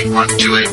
1, 2, 8.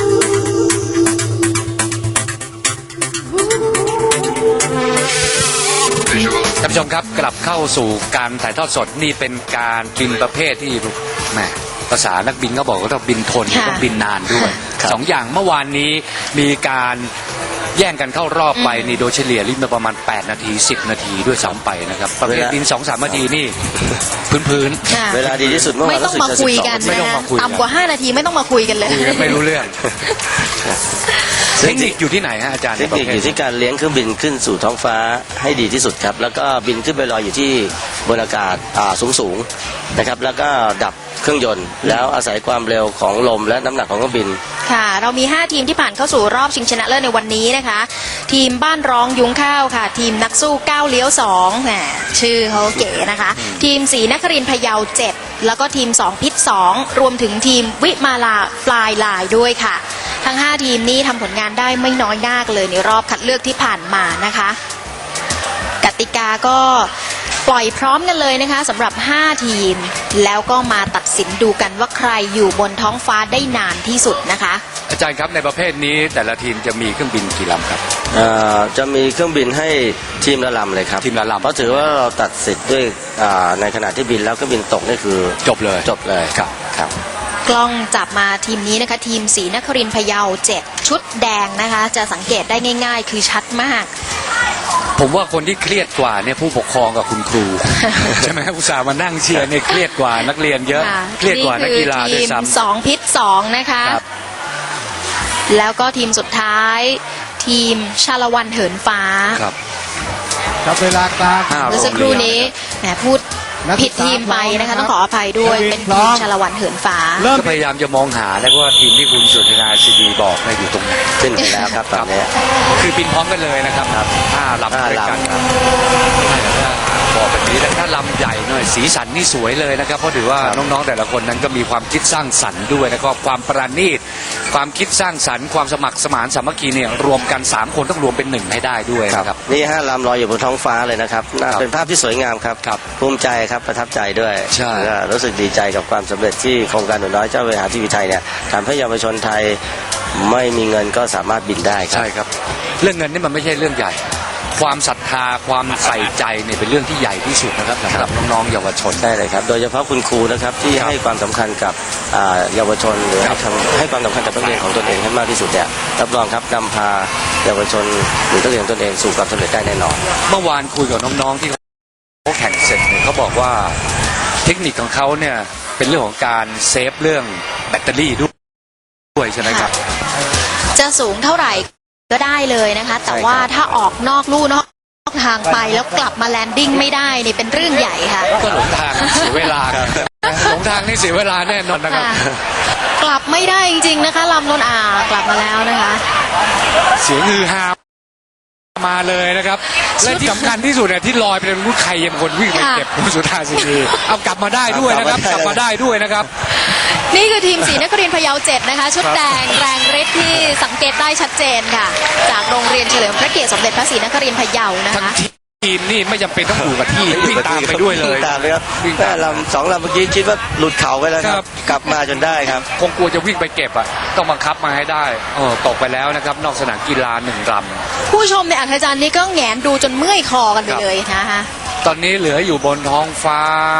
ท่านผู้ชมครับกลับเข้าสู่การถ่ายทอดสดนี่เป็นการบินประเภทที่แหมภาษานักบินก็บอกว่าต้องบินทนต้องบินนานด้วยสองอย่างเมื่อวานนี้มีการแย่งกันเข้ารอบไปนี่โดยเฉลี่ยลิมาประมาณ8 นาที 10 นาทีด้วยซ้ำไปนะครับประเภทบิน 2-3 นาทีนี่พื้นเวลาดีที่สุดเมื่อวานไม่ต้องมาคุยกันนะต่ำกว่า5 นาทีไม่ต้องมาคุยกันเลยคุยกันไม่รู้เรื่องเทคนิคอยู่ที่ไหนฮะอาจารย์เทคนิคอยู่ที่การเลี้ยงเครื่องบินขึ้นสู่ท้องฟ้าให้ดีที่สุดครับแล้วก็บินขึ้นไปลอยอยู่ที่บนอากาศสูงนะครับแล้วก็ดับเครื่องยนต์แล้วอาศัยความเร็วของลมและน้ำหนักของเครื่องบินค่ะเรามี5 ทีมที่ผ่านเข้าสู่รอบชิงชนะเลิศในวันนี้นะคะทีมบ้านร้องยุ้งข้าวค่ะทีมนักสู้ก้าวเลี้ยว2แหมชื่อเขาเก๋นะคะทีมศรีนครินทร์พะเยา7แล้วก็ทีม2พิษ2รวมถึงทีมวิมาลาปลายลายด้วยค่ะทั้ง5 ทีมนี้ทำผลงานได้ไม่น้อยหน้าเลยในรอบคัดเลือกที่ผ่านมานะคะกติกาก็ปล่อยพร้อมกันเลยนะคะสำหรับ5 ทีมแล้วก็มาตัดสินดูกันว่าใครอยู่บนท้องฟ้าได้นานที่สุดนะคะอาจารย์ครับในประเภทนี้แต่ละทีมจะมีเครื่องบินกี่ลำครับจะมีเครื่องบินให้ทีมละลำเลยครับทีมละลำเพราะถือว่าเราตัดสิทธิ์ด้วยในขณะที่บินแล้วเครื่องบินตกนี่คือจบเลยครับกล้องจับมาทีมนี้นะคะทีมศรีนครินทร์พะเยา7ชุดแดงนะคะจะสังเกตได้ง่ายๆคือชัดมากผมว่าคนที่เครียดกว่าเนี่ยผู้ปกครองกับคุณครู ใช่ไหมอุตส่าห์มานั่งเชียร์เนี่ยเครียดกว่านักเรียนเยอะเครียดกว่านักกีฬาด้วยซ้ำทีม2พิษ2นะคะแล้วก็ทีมสุดท้ายทีมชาละวันเหินฟ้าครับเวลากลางเมื่อสักครู่นี้แหมพูดผิดทีมไปนะคะต้องขออภัยด้วยเป็นทีมชาละวันเหินฟ้าก็พยายามจะมองหาแล้วว่าทีมที่คุณสุธนาซีดีบอกอยู่ตรงไหนขึ้นไปแล้วครับตอนนี้คือบินพร้อมกันเลยนะครับ5 ลำด้วยกันบอกแบบนี้แต่ถ้าลำใหญ่หน่อยสีสันนี่สวยเลยนะครับเพราะถือว่าน้องๆแต่ละคนนั้นก็มีความคิดสร้างสรรค์ด้วยนะครับความประณีตความคิดสร้างสรรค์ความสมัครสมานสามัคคีเนี่ยรวมกัน3 คนต้องรวมเป็น1ให้ได้ด้วยครับนี่5 ลำลอยอยู่บนท้องฟ้าเลยนะครับเป็นภาพที่สวยงามครับภูมิใจครับประทับใจด้วยรู้สึกดีใจกับความสำเร็จที่โครงการหนูน้อยเจ้าเวหาทีวีไทยเนี่ยทำให้เยาวชนไทยไม่มีเงินก็สามารถบินได้ใช่ครับเรื่องเงินนี่มันไม่ใช่เรื่องใหญ่ความศรัทธาความใส่ใจเนี่ยเป็นเรื่องที่ใหญ่ที่สุดนะครับสำหรับน้องๆเยาวชนได้เลยครับโดยเฉพาะคุณครูนะครับที่ให้ความสำคัญกับเยาวชนหรือให้ความสำคัญกับนักเรียนของตนเองให้มากที่สุดเนี่ยรับรองครับนำพาเยาวชนหรือนักเรียนตนเองสู่ความสำเร็จได้แน่นอนเมื่อวานคุยกับน้องๆที่เขาแข่งเสร็จเนี่ยเขาบอกว่าเทคนิคของเขาเนี่ยเป็นเรื่องของการเซฟเรื่องแบตเตอรี่ด้วยใช่ไหมครับจะสูงเท่าไหร่ก็ได้เลยนะคะแต่ว่าถ้าออกนอกลู่นอกทางไปแล้วกลับมาแลนดิ้งไม่ได้นี่เป็นเรื่องใหญ่ค่ะก็หลงทางเสียเวลาหลงทางนี่เสียเวลาแน่นอนนะครับกลับไม่ได้จริงๆนะคะลำนนกลับมาแล้วนะคะเสียงฮือฮามาเลยนะครับและที่สำคัญที่สุดเนี่ยที่ลอยเป็นผู้ใครยังคนวิ่งไปเก็บคุณสุธาสินีเอากลับมาได้ด้วยนะครับกลับมาได้ด้วยนะครับนี่คือทีมศรีนครินทร์พะเยา7นะคะชุดแดงแรงฤทธิ์ที่สังเกตได้ชัดเจนค่ะจากโรงเรียนเฉลิมพระเกียรติสมเด็จพระศรีนครินทร์พะเยานะคะทีมนี่ไม่จำเป็นต้องอยู่กับที่วิ่งตามไปด้วยเลยตามเลยครับแต่2 ลำเมื่อกี้คิดว่าหลุดเขาไปแล้วครับกลับมาจนได้ครับคงกลัวจะวิ่งไปเก็บอ่ะต้องบังคับมาให้ได้ตกไปแล้วนะครับนอกสนามกีฬา1 ลำผู้ชมในอัธจันทร์นี่ก็แงนดูจนเมื่อยคอกันไปเลยนะคะตอนนี้เหลืออยู่บนท้องฟ้า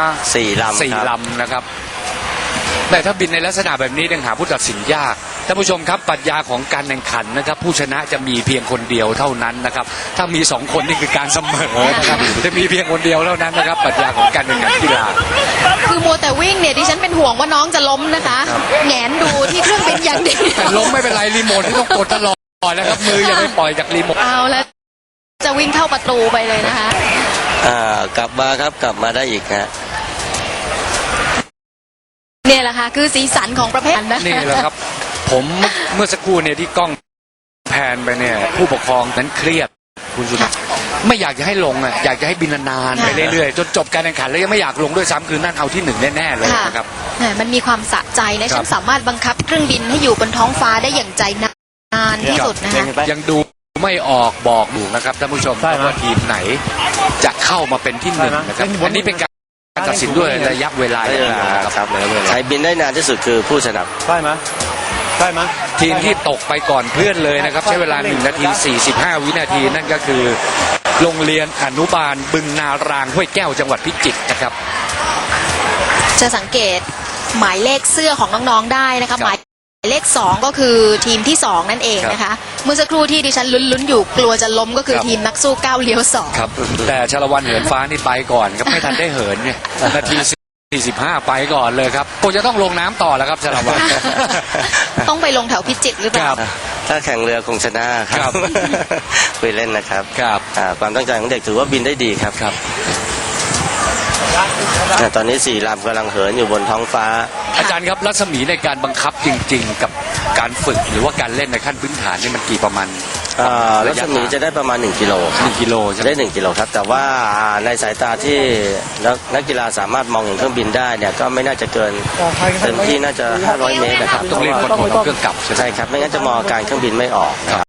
4 ลำนะครับแต่ถ้าบินในลักษณะแบบนี้ยังหาผู้ตัดสินยากท่านผู้ชมครับปรัชญาของการแข่งขันนะครับผู้ชนะจะมีเพียงคนเดียวเท่านั้นนะครับถ้ามี2 คนนี่คือการเสมอนะครับจะมีเพียงคนเดียวเท่านั้นนะครับปรัชญาของการแข่งขันกีฬาคือมัวแต่วิ่งเนี่ยดิฉันเป็นห่วงว่าน้องจะล้มนะคะแงนดูที่เครื่องบินอย่างเดียวล้มไม่เป็นไรรีโมทที่ต้องกดตลอดนะครับมืออย่าไปปล่อยจากรีโมทเอาแล้วจะวิ่งเข้าประตูไปเลยนะคะกลับมาครับกลับมาได้อีกฮะเนี่ยแหละค่ะคือสีสันของประเภทนะนี่แหละครับผมเมื่อสักครู่เนี่ยที่กล้องแพนไปเนี่ยผู้ปกครองนั้นเครียดคุณสุนันท์ไม่อยากจะให้ลงอ่ะอยากจะให้บินนานๆไปเรื่อยๆจนจบการแข่งขันแล้วยังไม่อยากลงด้วยซ้ำคือนั่นเอาที่1แน่ๆเลยนะครับมันมีความสะใจนะฉันสามารถบังคับเครื่องบินให้อยู่บนท้องฟ้าได้อย่างใจนานที่สุดนะคะยังดูไม่ออกบอกอยู่นะครับท่านผู้ชมว่าทีมไหนจะเข้ามาเป็นที่1นะครับอันนี้เป็นการตัดสินด้วยระยะเวลาใครบินได้นานที่สุดคือผู้ชนะใช่ไหมได้ไหมทีมที่ตกไปก่อนเพื่อนเลยนะครับ ใช้เวลา1 นาที 45 วินาที นั่นก็คือโรงเรียนอนุบาลบึงนารางห้วยแก้วจังหวัดพิจิตรนะครับจะสังเกตหมายเลขเสื้อของน้องๆได้นะคะหมายเลข 2 ก็คือทีมที่ 2 นั่นเองนะคะ เมื่อสักครู่ที่ดิฉันลุ้นๆอยู่กลัวจะล้มก็คือทีมนักสู้ก้าวเลี้ยว2 ครับ แต่ชาละวันเหินฟ้านี่ไปก่อนครับไม่ทันได้เหินเนี่ยนาที 45 ไปก่อนเลยครับคงจะต้องลงน้ำต่อแล้วครับชาละวันต้องไปลงแถวพิจิตรหรือเปล่าถ้าแข่งเรือคงชนะคครัรับบ คุยเล่นนะครับครับความตั้งใจของเด็กถือว่าบินได้ดีครับครับตอนนี้4 ลำกำลังเหินอยู่บนท้องฟ้าอาจารย์ครับรัศมีในการบังคับจริง ๆ กับการฝึกหรือว่าการเล่นในขั้นพื้นฐานนี่มันกี่ประมาณรัศมีจะได้ประมาณ1 กิโลครับ 1 กิโลใช่ไหมได้1 กิโลครับ แต่ว่าในสายตาที่นักกีฬาสามารถมองเห็นเครื่องบินได้เนี่ยก็ไม่น่าจะเกินเต็มที่น่าจะ500 เมตรนะครับต้องเรียกคนเอาเครื่องกลับใช่ไหมใช่ครับไม่งั้นจะมองอาการเครื่องบินไม่ออกนะครับ